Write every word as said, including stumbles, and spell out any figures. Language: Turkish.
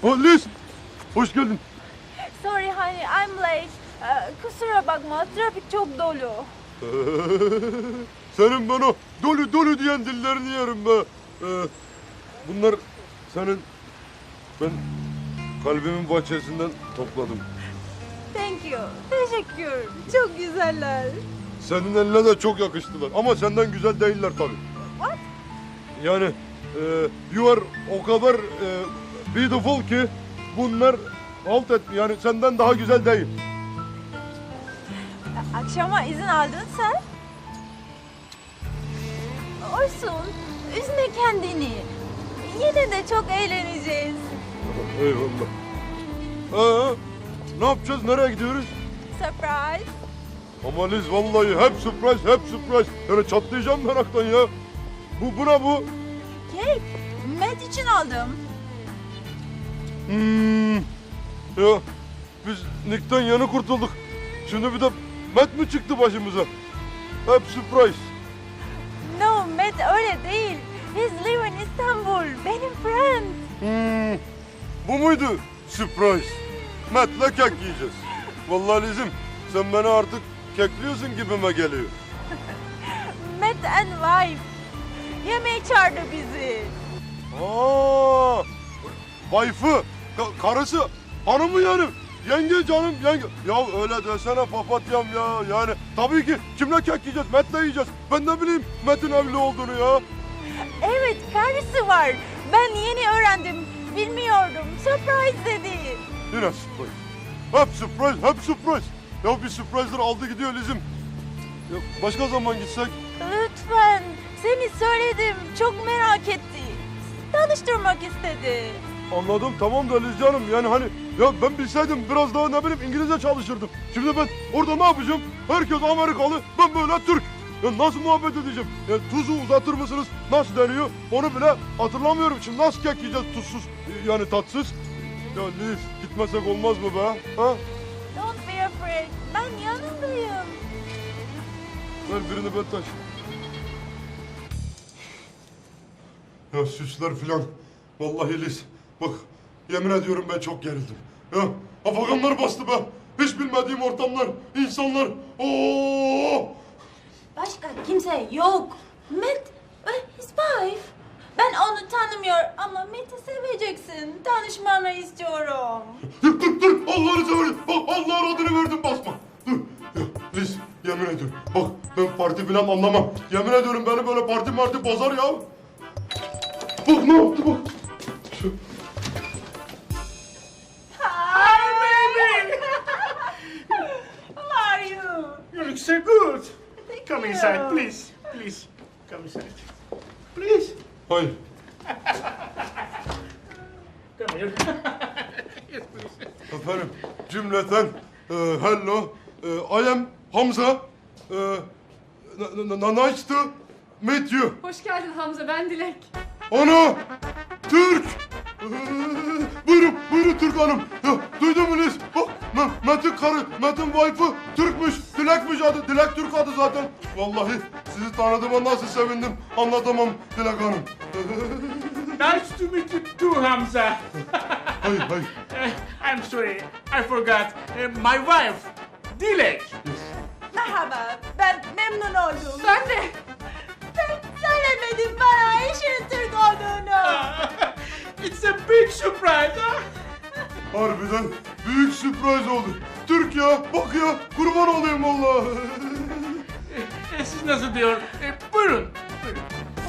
Oh Liz, hoş geldin. Sorry honey, I'm late. Ee, kusura bakma, trafik çok dolu. Senin bana dolu dolu diyen dillerini yerim be. Ee, bunlar senin, ben kalbimin bahçesinden topladım. Thank you. Teşekkür. Çok güzeller. Senin eline de çok yakıştılar ama senden güzel değiller tabii. What? Yani e, you are o kadar e, beautiful ki bunlar halt et, yani senden daha güzel değil. Akşama izin aldın sen. Olsun. Üzme kendini. Yine de çok eğleneceğiz. Eyvallah. Ee, ne yapacağız? Nereye gidiyoruz? Surprise. Ama Liz vallahi hep surprise, hep surprise. Yani çatlayacağım meraktan ya. Bu buna bu. Kek. Matt için aldım. Hmm. Ya biz Nick'ten yeni kurtulduk. Şimdi bir de Matt mi çıktı başımıza? Hep surprise. No, Matt öyle değil. He's live in Istanbul. Benim friend. Hmm. Bu muydu surprise? Matt'le kek yiyeceğiz. Vallahi Liz'im sen beni artık kekliyorsun gibime geliyor. Matt and wife. Yemeğe çağırdı bizi. Aa, wife'ı, ka- karısı, hanımı yani. Yenge canım, yenge. Ya öyle desene papatyam ya. Yani tabii ki kimle kek yiyeceğiz? Matt'le yiyeceğiz. Ben ne bileyim Matt'in evli olduğunu ya. Evet, karısı var. Ben yeni öğrendim. Bilmiyordum. Surprise dedi. Yine surprise. Hep surprise, hep surprise. Ya bir surprise'lar aldı gidiyor Liz'im. Ya başka zaman gitsek? Lütfen. Seni söyledim. Çok merak etti. Tanıştırmak istedi. Anladım tamam da Liz canım yani hani ya ben bilseydim biraz daha ne bileyim İngilizce çalışırdım. Şimdi ben orada ne yapacağım? Herkes Amerikalı, ben böyle Türk. Ya nasıl muhabbet edeceğim? Ya tuzu uzatır mısınız? Nasıl deniyor? Onu bile hatırlamıyorum. Şimdi nasıl kek yiyeceğiz tuzsuz yani tatsız? Ya Liz gitmesek olmaz mı be? Ha? Don't be afraid. Ben yanındayım. Ver birini ben taş. Ya süsler filan. Vallahi Liz. Bak yemin ediyorum ben çok gerildim. Ya afaganlar bastı be. Hiç bilmediğim ortamlar, insanlar. Oo! Başka kimse yok. Matt ve his wife. Ben onu tanımıyor ama Matt'i seveceksin. Tanışmanı istiyorum. Dur dur dur. Allah'ını seversen. Bak Allah'ın adını verdim basma. Dur. Ya Liz yemin ediyorum. Bak ben parti filan anlamam. Yemin ediyorum beni böyle parti marti bozar ya. Bak ne yaptı bak. Hi, baby! How are you? You look so good. Thank Come you. inside, please. Please, come inside. Please, Hayır. come here. Yes, please. Efendim cümleten e, hello. E, I am Hamza. E, n- n- n- nice to meet you. Hoş geldin Hamza, ben Dilek. Ana! Türk! Ee, buyurun, buyurun Türk hanım. Ya, duydun mu Liz? Bak, M- Metin karı, Metin wife'ı Türkmüş. Dilekmiş adı, Dilek Türk adı zaten. Vallahi sizi tanıdığıma nasıl sevindim anlatamam Dilek hanım. Nice to meet you too, Hamza. hayır, hayır. Uh, I'm sorry, I forgot. Uh, my wife, Dilek. Merhaba, ben memnun oldum. Ben de. Sen söylemedin bana eşinin Türk olduğunu. It's a big surprise, huh? Harbiden büyük sürpriz oldu. Türk ya, bak ya, kurban olayım vallahi. Uh, siz nasıl diyor? Uh, buyurun, buyurun.